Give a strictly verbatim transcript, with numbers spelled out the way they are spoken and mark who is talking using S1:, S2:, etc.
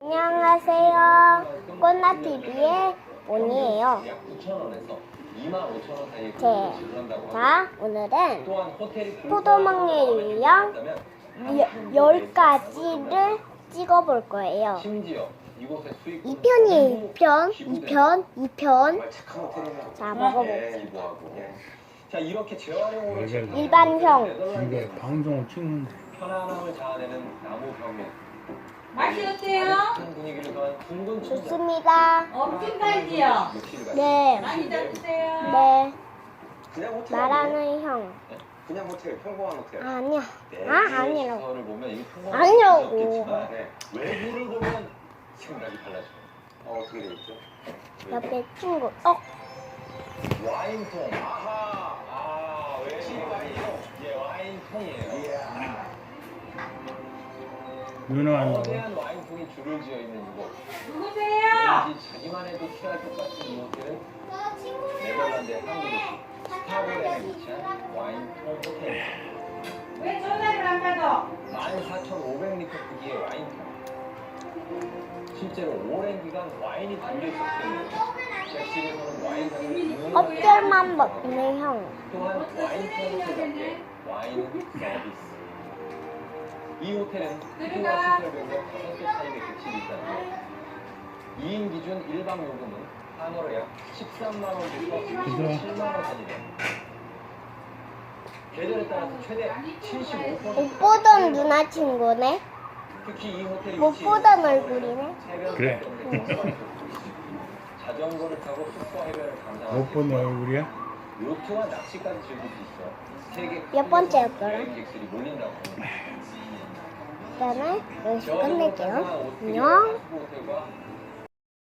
S1: 안녕하세요. 꽃나티비의 온이에요. 제, 자, 오늘은 포도막내 유형 열 가지를 찍어볼 거예요. 이 편이에요. 이 편, 이 편, 이 편. 자, 먹어볼게요.
S2: 자, 이렇게 재활용으로
S1: 일반형.
S3: 이게 방송을 찍는
S2: 편안함을 자아내는 나무 벽면.
S4: 맛이 어때요?
S2: 분위기를 더한 둥근
S1: 좋습니다.
S4: 엄청 달지요?
S1: 네,
S4: 많이 잡으세요.
S1: 네.
S2: 그냥 호텔
S1: 말하는 형.
S2: 그냥 호텔, 평범한 호텔.
S1: 아니야. 아, 아니라고.
S2: 시설을 보면 이게 평범한
S1: 아니라고.
S2: 호텔이었겠지만, 네, 외부를 보면 생각이 달라져요. 어, 어떻게 되어 있죠?
S1: 옆에 친구. 어,
S2: 와인통. 아하. 아, 왜 와인통? 예, 와인통이에요.
S3: 누나한다고.
S2: 거대한 와인통이 줄을 지어 있는 이곳.
S4: 누구세요?
S2: 왠지 자기만 해도 취할 것 같은 이 호텔은 네덜란드의 한 도시 스타보렌에 위치한 와인통 호텔.
S4: 왜 전화를 안 받아?
S2: 만 사천오백 리터 크기의 와인통. 실제로 오랜 기간 와인이 담겨 있었기 때문에 객실에서는 와인을
S1: 껍질만 먹는 형.
S2: 또한 와인통 호텔답게 와인 서비스. 이 호텔은 크기와 시설 변경 다섯 개 타입의 객실이 있다는데 이 인 기준 일 박 요금은 한화로 약 십삼만 원부터 십칠만 원 사이래요. 계절에 따라서 최대 칠십오 퍼센트
S1: 못 보던 누나 친구네.
S2: 특히 이 호텔이
S1: 못 보던 얼굴이네.
S3: 그래.
S2: 자전거를 타고 숙소 해변을 감상하고
S3: 못 보는 얼굴이야?
S2: 요트와 낚시까지 즐길 수 있어. 세계
S1: 몇 번째였더라?
S2: 여행객들이 몰린다고.
S1: 그러면 여기서 끝낼게요. 안녕.
S2: 호텔과